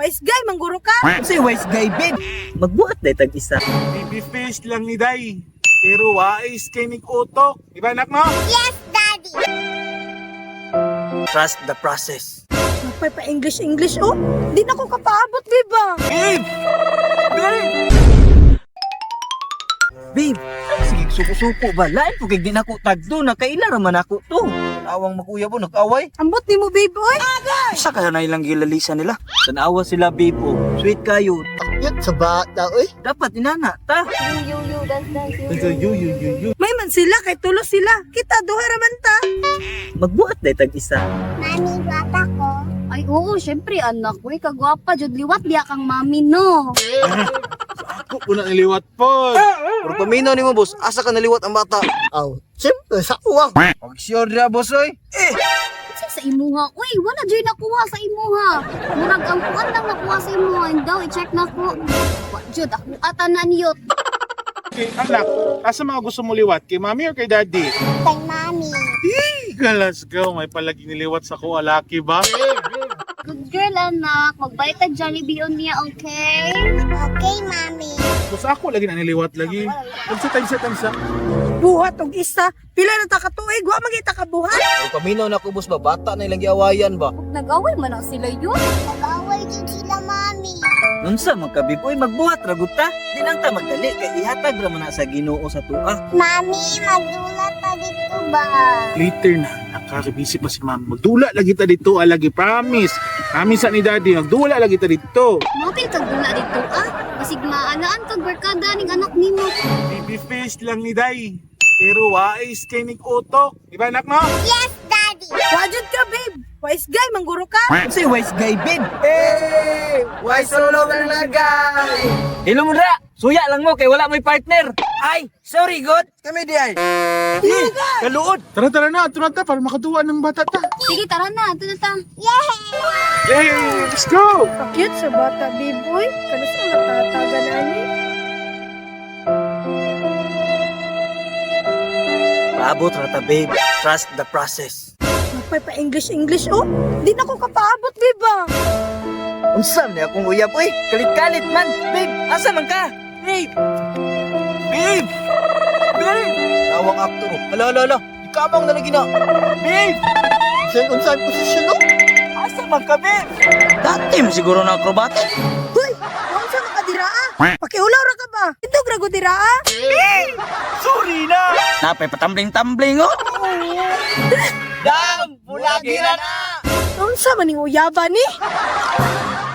Wise guy, mangguro ka. Kasi wise guy, babe. Magbuhat na itag isa. Baby face lang ni Day. Pero wais kay Nick Utok. Di ba anak mo? Yes, Daddy! Trust the process. Napay pa English, oh. Di na ko kapaabot, diba? Babe! Babe! Babe! Sige, suko-suko ba? Lain po kay di na ako tagdo. Nakaila raman ako to. Awang makuya po, nag-away. Ambot ni mo, babe, oy. Sa kaya na ilang gilalisa nila. Tanawa sila, babe, oh. Sweet kayo. Yat sa bata, oy. Dapat inana, ta. May man sila, kay tulos sila. Kita, duha raman ta. Magbuhat na itag isa. Mami, guwapa ko. Ay oo, syempre anak ko, kagwapa jud liwat diya kang mami no. Ako po na niliwat po. Pero paminaw ni mo, boss. Asa ka naliwat ang bata? Aw, siyempre, sa uwang. Pag-sure na, boss, oy. Sa imuha, uy, wala jud nakuha sa imuha. Murag ang kuan lang nakuha sa imuha, daw i-check na ko. Wa jud ako ata na niyot. Okay, anak, asa mga gusto mo liwat? Kay mami or kay daddy? Kay Mami. Let's go. May palagi niliwat sa ko, alaki ba? Good girl anak, magbayad ta Jollibee on niya, okay? Okay, Mami. Gusto ako lagi na niliwat lagi. Tansa. Buhat og isa. Pila na ta katuig, wa magita ka buhat. Pero paminaw na ko, boss ba? Bata na ilang giawayan ba? Nag-away man na sila yun. Nag-away din sila, Mami. Unsa magkabib, oy, magbuhat ragut ta. Di lang ta magdali kay ihatag ra man na sa Ginoo sa tuwa. Mami, magdulat pa dito ba? Later na, nakakabisi pa si mami. Magdula lagi ta dito, lagi promise. Promise sa ni daddy, magdula lagi ta dito. Mapil kag dula dito ah. Basig maalaan kag barkada ning anak nimo. Baby face lang ni Day. Pero wais kay Nick Utok. Di ba anak mo? Yes, Daddy! Wajud ka, babe. Wise guy, mangguro ka. Kasi wise guy, babe. Hey! Why solo ka na guy? Hello mo ra. Suya lang mo kay wala may partner. Ay, sorry god. Kami di ay. Kaluod. Tara na, ito na ta para makaduwa ng bata ta. Sige, tara na, ito na ta. Yay! Let's go! Cute sa bata, babe, oy. Kano sa matataga na ni? Paabot ra ta, babe. Trust the process. Napay pa English, oh. Di na ko kapaabot, diba? Unsam ni akong uyab, oy. Kalit-kalit man. Babe, asa man ka? Babe. Babe. Babe. Tawang aktor. Ala. Ikamang na lagi na. Babe. Saan posisyon no? Asa man ka, babe? Dati mo siguro na akrobatic. Hoy, huwag sa makadiraa. Pakiulaw ra ka ba? Indog ra ko diraa. Sorry na. Napay patambling-tambling, oh. Dam! Bulagi na na! Unsa man ning uyaba ni?